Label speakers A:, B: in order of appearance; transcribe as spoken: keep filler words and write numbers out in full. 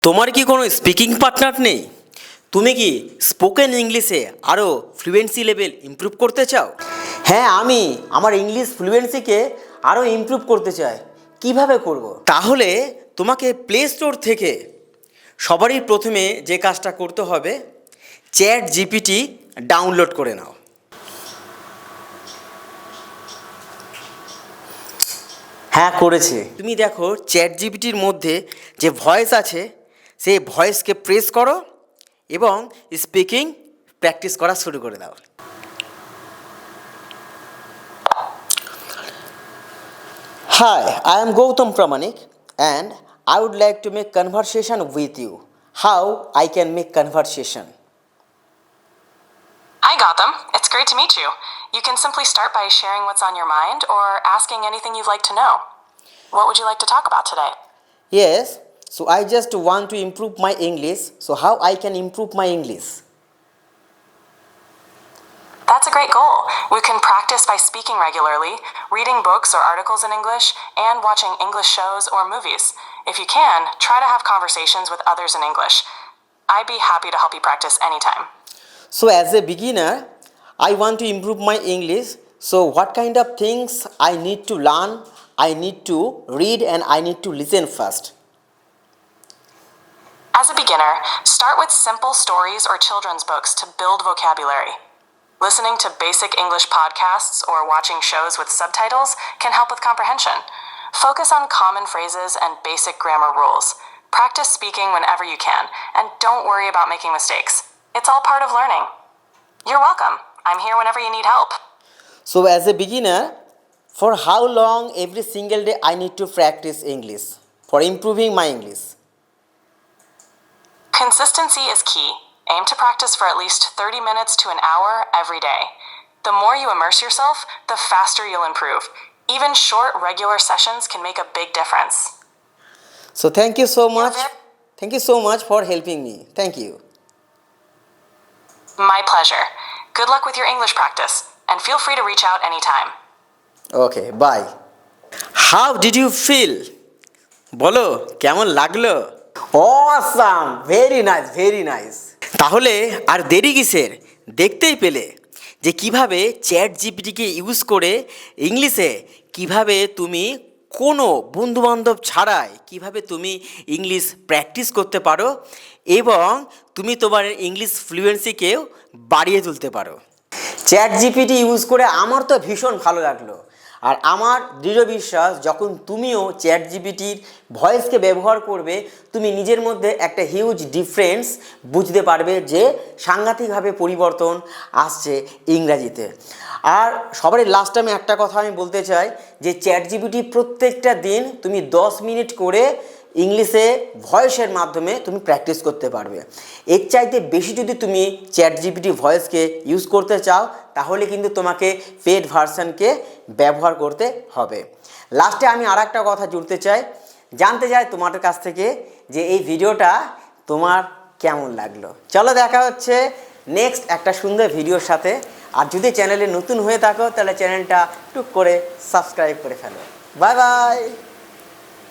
A: তোমার কি কোনো স্পিকিং পার্টনার নেই? তুমি কি স্পোকেন ইংলিশে আরও ফ্লুয়েন্সি লেভেল ইমপ্রুভ করতে চাও? হ্যাঁ, আমি আমার ইংলিশ ফ্লুয়েন্সিকে আরও ইমপ্রুভ করতে চাই। কিভাবে করব? তাহলে তোমাকে প্লে স্টোর থেকে সবারই প্রথমে যে কাজটা করতে হবে, চ্যাট জিপিটি ডাউনলোড করে নাও। হ্যাঁ, করেছে। তুমি দেখো চ্যাট জিপিটির মধ্যে যে ভয়েস আছে সেই ভয়েসকে প্রেস করো এবং স্পিকিং প্র্যাকটিস করা শুরু করে দাও। Hi, I am Gautam Pramanik and I would like to make conversation with you. How I can make conversation?
B: Hi Gotham, it's great to meet you. You can simply start by sharing what's on your mind or asking anything you'd like to know. What would you like to talk about today?
A: Yes, so I just want to improve my English. So how I can improve my English?
B: That's a great goal. We can practice by speaking regularly, reading books or articles in English, and watching English shows or movies. If you can, try to have conversations with others in English. I'd be happy to help you practice anytime.
A: So as a beginner, I want to improve my English. So what kind of things I need to learn, I need to read and I need to listen first?
B: As a beginner, start with simple stories or children's books to build vocabulary. Listening to basic English podcasts or watching shows with subtitles can help with comprehension. Focus on common phrases and basic grammar rules. Practice speaking whenever you can, and don't worry about making mistakes. It's all part of learning. You're welcome. I'm here whenever you need help.
A: So as a beginner, for how long every single day I need to practice English for improving my English?
B: Consistency is key. Aim to practice for at least thirty minutes to an hour every day. The more you immerse yourself, the faster you'll improve. Even short, regular sessions can make a big difference.
A: So thank you so much.
B: very-
A: Thank you so much for helping me. Thank you.
B: My pleasure. Good luck with your English practice, and feel free to reach out anytime.
A: Okay, bye. How did you feel? বলো কেমন লাগলো? Awesome! Very nice, very nice. তাহলে আর দেরি কিসের? দেখতেই পেলে যে কিভাবে চ্যাট জিপিটিকে ইউজ করে ইংলিশে কিভাবে তুমি কোনো বন্ধুবান্ধব ছাড়াই কিভাবে তুমি ইংলিশ প্র্যাকটিস করতে পারো এবং তুমি তোমার ইংলিশ ফ্লুয়েন্সিকেও বাড়িয়ে তুলতে পারো। চ্যাট জিপিটি ইউজ করে আমার তো ভীষণ ভালো লাগলো। আর আমার দৃঢ় বিশ্বাস যখন তুমিও চ্যাট জিপিটির ভয়েসকে ব্যবহার করবে তুমি নিজের মধ্যে একটা হিউজ ডিফারেন্স বুঝতে পারবে যে সাংঘাতিকভাবে পরিবর্তন আসছে ইংরাজিতে। আর সবারই লাস্ট আমি একটা কথা আমি বলতে চাই যে চ্যাট জিপিটি প্রত্যেকটা দিন তুমি দশ মিনিট করে ইংলিশে ভয়েসের মাধ্যমে তুমি প্র্যাকটিস করতে পারবে। এর চাইতে বেশি যদি তুমি চ্যাট জিপিটি ভয়েসকে ইউজ করতে চাও তাহলে কিন্তু তোমাকে পেড ভার্সনকে ব্যবহার করতে হবে। লাস্টে আমি আর একটা কথা জুড়তে চাই, জানতে চাই তোমাদের কাছ থেকে যে এই ভিডিওটা তোমার কেমন লাগলো। চলো দেখা হচ্ছে নেক্সট একটা সুন্দর ভিডিওর সাথে। আর যদি চ্যানেলে নতুন হয়ে থাকো তাহলে চ্যানেলটা টুক করে সাবস্ক্রাইব করে ফেলো। Bye bye.